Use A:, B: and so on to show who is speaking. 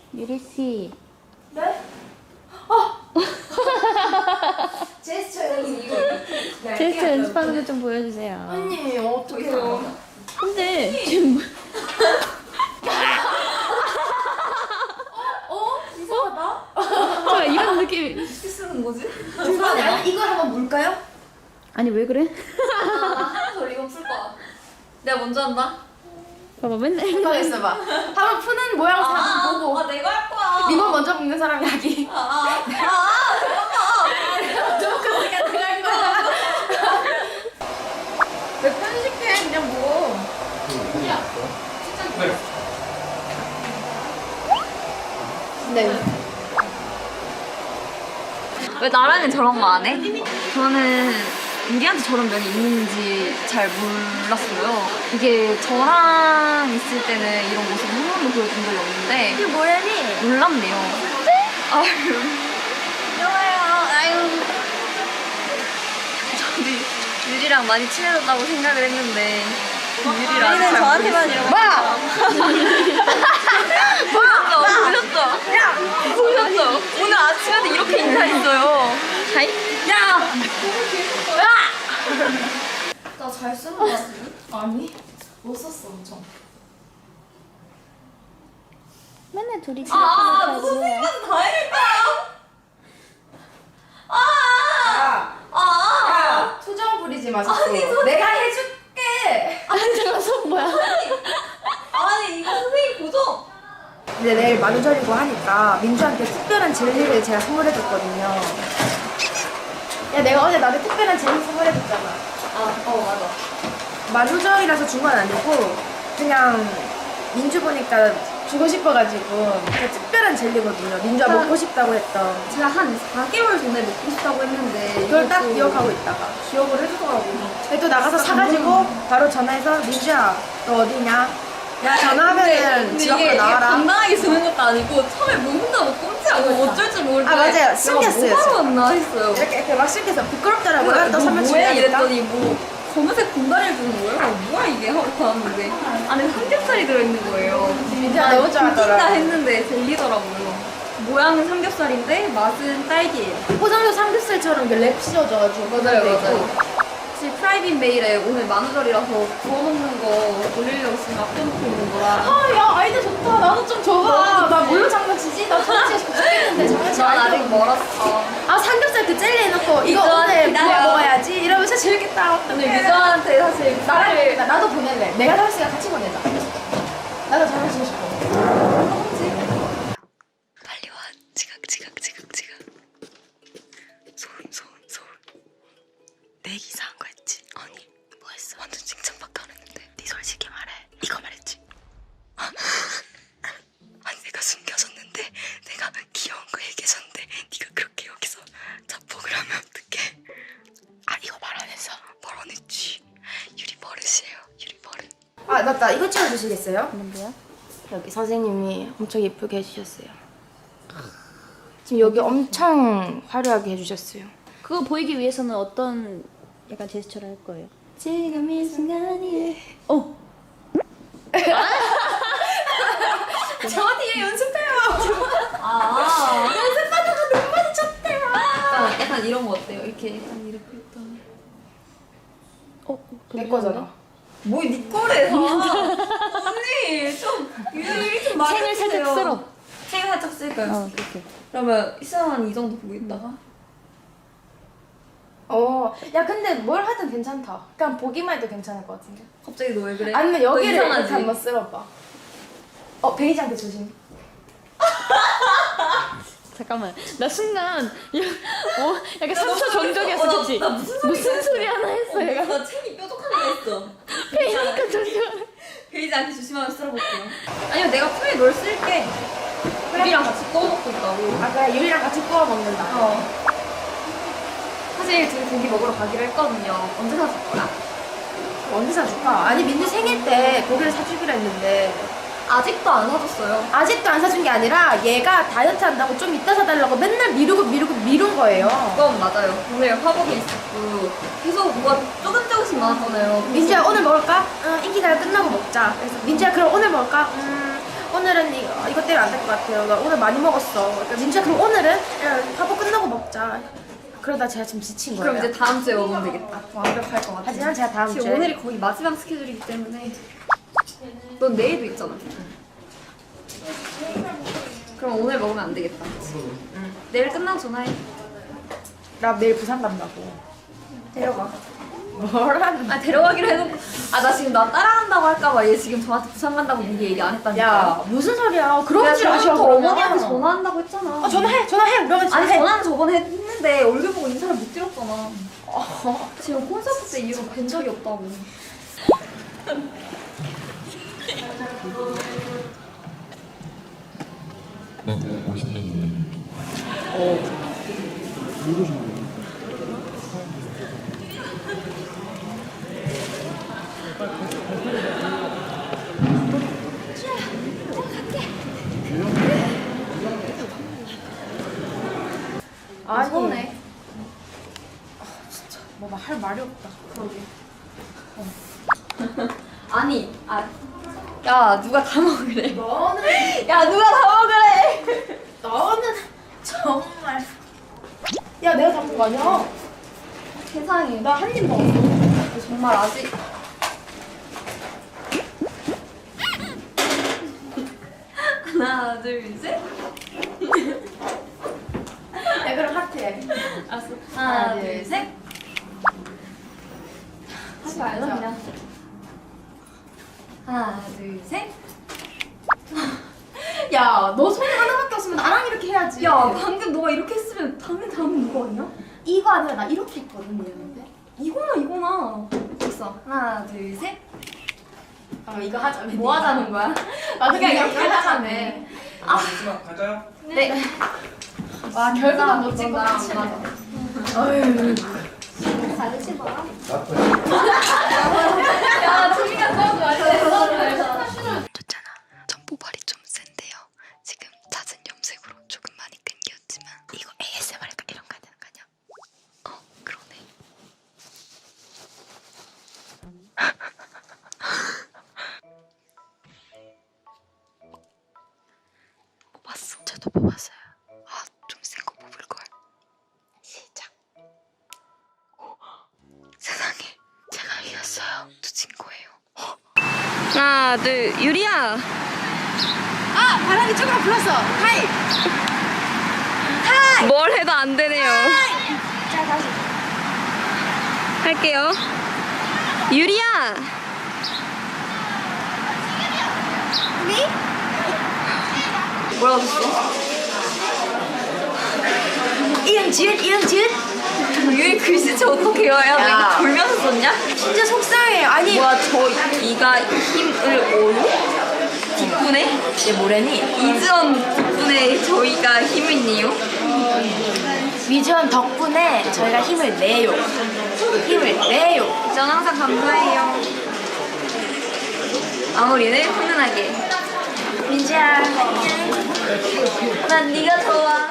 A: 유리씨.
B: 네? 제스처 이거
A: 제스처 연습하는 거 좀 보여주세요.
B: 언니 어떡해요?
A: 근데 지금 뭐...
B: 이상하다?
A: 저 이런 느낌.
C: 어떻게 쓰는 거지?
B: 아니 이걸 한번 물까요?
A: 아니 왜 그래?
C: 저 이거 풀 거야. 내가 먼저 한다.
A: 봐봐 맨날.
B: 가만 있어봐. 한번 푸는 모양 한번 보고.
C: 내가 할 거야.
B: 리본 먼저 붓는 사람이 하기. 저거까지가 내가 할 거야. 왜 편식해? 그냥 뭐. 네.
C: 왜 나랑은 저런 거 안 해? 저는 유리한테 저런 면이 있는지 잘 몰랐어요. 이게 저랑 있을 때는 이런 모습을 한 번도 보여준 적이 없는데
B: 이게 뭐야니?
C: 놀랍네요. 아유. 좋아요. 아유. 저도 유리랑 많이 친해졌다고 생각을 했는데 유리랑
B: 우리는 저한테만 이러고. 마!
C: 보셨죠? 야! 보셨죠? 오늘 아침에도 이렇게 인사했어요. 하이? 야!
B: 나 잘 쓰는 거 같은데? 아니. 못 썼어 엄청.
A: 맨날 둘이 집에
C: 너 선생님한테 다 해낼까?
B: 야, 투정 부리지 마 자꾸. 내가 해줄게.
A: 저거 손 뭐야?
C: 아니 이거 선생님 고정.
B: 이제 내일 만우절이고 하니까 민주한테 특별한 젤리를 제가 선물해줬거든요. 야, 내가 어제 나한테 특별한 젤리 선물해줬잖아.
C: 맞아.
B: 만우절이라서 준 건 아니고 그냥 민주 보니까 주고 싶어가지고 그 특별한 젤리거든요. 민주가 먹고 싶다고 했던.
C: 제가 한 4개월 전에 먹고 싶다고 했는데
B: 그걸 딱 기억하고 있다가 기억을 해주더라고. 근데 또 나가서 사가지고 바로 전화해서 민주야 너 어디냐? 야 전화하면은 집 앞으로 나와라.
C: 당당하게 주는 것도 아니고 처음에 뭐 혼자 뭐 꼼지하고 어쩔 줄 모를 때
B: 아, 맞아요. 숨겼어요,
C: 뭐 하러 왔나 했어요.
B: 이렇게 막 시켜서 부끄럽더라고요. 또
C: 뭐
B: 설명
C: 뭐야
B: 중요하니까.
C: 이랬더니 뭐 검은색 공다리를 주는 거예요? 뭐야 이게 하고 봤는데 안에 삼겹살이 들어있는 거예요.
B: 민주가 너무
C: 웃긴다
B: 좋아하더라.
C: 했는데 젤리더라고요. 모양은 삼겹살인데 맛은 딸기예요.
B: 포장도 삼겹살처럼 이렇게 랩 씌워져가지고.
C: 맞아요. 사실 프라이빗 메일에 오늘 만우절이라서 구워 먹는 거 올리려고 지금 아껴놓고 있는 거라.
B: 아, 야, 아이디어 좋다. 나도 좀 줘봐. 나 뭘로 장난치지? 나 장난치고 싶겠는데 장난치
C: 난 아직
B: 아이디어.
C: 멀었어.
B: 아, 삼겹살 그 젤리 해놓고 이거
C: 이거
B: 오늘
C: 기다려.
B: 구워 먹어야지. 이러면 진짜 재밌겠다.
C: 오늘 유저한테 사실
B: 나랑 나도 보낼래. 내가 다섯시간 같이 보내자. 나도 장난치고 싶어.
C: 빨리 와. 지각. 소음. 내 이상한 거 했지? 아니 뭐 했어? 완전 칭찬밖에 안 했는데 네 솔직히 말해. 이거 말했지? 아니 내가 숨겨졌는데 내가 귀여운 거 얘기해줬는데 네가 그렇게 여기서 자폭을 하면 어떡해? 아 이거 말 안 했어? 말 안 했지. 유리 버릇이에요. 유리 버릇.
B: 아, 맞다. 이거 찍어주시겠어요?
A: 뭔데요?
B: 여기 선생님이 엄청 예쁘게 해주셨어요. 지금 여기 엄청 화려하게 해주셨어요.
A: 그거 보이기 위해서는 어떤 약간 제스처를 할 거예요? 지금 이 순간이.
B: 저 뒤에 연습해요.
C: 연습하다가 눈 마주쳤대요. 약간 이런 거 어때요? 이렇게 약간 이렇게 했던.
B: 내 거잖아.
C: 뭐네 거래? 언니 좀 유리 좀 많이
A: 챙을 살짝 쓸어.
C: 챙을 살짝 쓸까요?
A: 그렇게.
C: 그러면 이상한 이 정도 보고 있다가
B: 야, 근데 뭘 하든 괜찮다. 그냥 보기만 해도 괜찮을 것 같은데.
C: 갑자기 너 왜 그래?
B: 아니면
C: 너
B: 여기를
C: 이상하지?
B: 이렇게 한번 쓸어봐. 베이지한테 조심.
A: 잠깐만. 나 순간 약간 3초 정적이었어, 그치?
C: 나 무슨
A: 소리 하나 했어, 얘가.
C: 나 챙이 뾰족한 거 했어.
A: 페이니까 조심하래.
C: 베이지한테 조심하면 쓸어볼게요. 아니면 내가 풀에 널 쓸게. 유리랑 같이 구워 먹고 있다고.
B: 아, 그래. 유리랑 같이 구워 먹는다.
C: 사실 둘이 고기 먹으러 가기로 했거든요. 언제 사줄 거야?
B: 언제 사줄까? 아니, 민주 생일 때 고기를 사주기로 했는데
C: 아직도 안 사줬어요.
B: 아직도 안 사준 게 아니라 얘가 다이어트 한다고 좀 이따 사달라고 맨날 미룬 거예요.
C: 그건 맞아요. 오늘 화복이 있었고 계속 뭐가 조금씩 나왔잖아요.
B: 민주야, 오늘 먹을까? 인기가요 끝나고 먹자. 그래서 민주야, 그럼 오늘 먹을까? 오늘은 이거 때문에 안 될 것 같아요. 나 오늘 많이 먹었어. 그러니까 민주야 그럼 오늘은 야, 밥을 끝나고 먹자. 그러다 제가 지금 지친 거예요.
D: 그럼 이제 다음 주에 먹으면 되겠다. 완벽할 것 같아.
B: 하지만 제가 다음
D: 지금
B: 주에
D: 오늘이 거의 마지막 스케줄이기 때문에 넌 내일도 있잖아. 그럼 오늘 먹으면 안 되겠다. 내일 끝나고 전화해.
B: 나 내일 부산 간다고.
D: 데려가.
B: 뭐라는?
D: 아 데려가기로 해놓고 나 지금 나 따라간다고 할까봐 얘 지금 저한테 부산 간다고 미리 얘기 안 했다니까.
B: 야 무슨 소리야? 그런 줄 아셔.
D: 저 어머니한테 전화한다고 했잖아.
B: 아 전화해. 우리 어머니
D: 아니
B: 전화해.
D: 전화는 저번에 했는데 얼굴 보고 인사를 못 드렸잖아. 지금 콘서트 때 이후로 뵌 적이 없다고.
E: 네, 50년이에요.
B: 아니
D: 서운해.
B: 뭐 할 말이 없다.
D: 아니, 야 누가 다 먹으래?
B: 너는
D: 야 누가 다 먹으래?
B: 너는 정말. 야 내가 잡은 거 아니야?
D: 세상에.
B: 나 한 입 먹었어.
D: 정말 아직. 하나, 둘, 셋.
B: 야 그럼 하트해.
D: 알았어. 하나, 둘, 셋. 하지 말자 그냥. 하나, 둘, 셋.
B: 야 너 손이 하나밖에 없으면 나랑 이렇게 해야지.
D: 야 방금 너가 이렇게 했으면 당연히 다음은 누가 왔냐?
B: 이거 아니라 나 이렇게 했거든 얘는데.
D: 이거나. 됐어. 하나, 둘, 셋.
B: 아 이거 하자.
D: 뭐 하자는 거야?
B: 아
D: 그냥
B: 그냥
D: 이렇게 하자네.
E: 갈까요?
D: 네.
B: 와 결과만 못 찍고
D: 나랑
B: 끝이네.
D: 맞아.
B: 어휴.
D: 잘 드시봐. 야, 재미가 너무 맛있어.
C: 좋잖아. 전 모발이 좀 센데요. 지금 잦은 염색으로 조금 많이 끊겼지만 이거 ASMR일까 이런 거 해야 되는 거 아니야? 그러네. 뽑았어. 저도 뽑았어요. 좀 센 거 뽑을 걸. 시작. 세상에, 제가 이겼어요. 놓친 거예요. 하나, 둘, 유리야.
B: 아 바람이 조금 불었어. 하이.
C: 뭘 해도 안 되네요.
B: 자 다시.
C: 할게요. 유리야.
D: 뭐라고 했어?
B: 이응지읒.
D: 유리 글씨체 어떻게 외워야 돼?
B: 야.
D: 이거 돌면서 썼냐?
B: 진짜 속상해. 아니.
D: 뭐야 저 이가 힘을 오요? 뒷분에?
B: 얘 뭐래니?
D: 이즈원 뒷분에 저희가 힘을 내요?
B: 위즈원 덕분에 저희가 힘을 내요.
D: 전 항상 감사해요. 마무리를 훈훈하게.
B: 민지야.
D: 난 네가 좋아.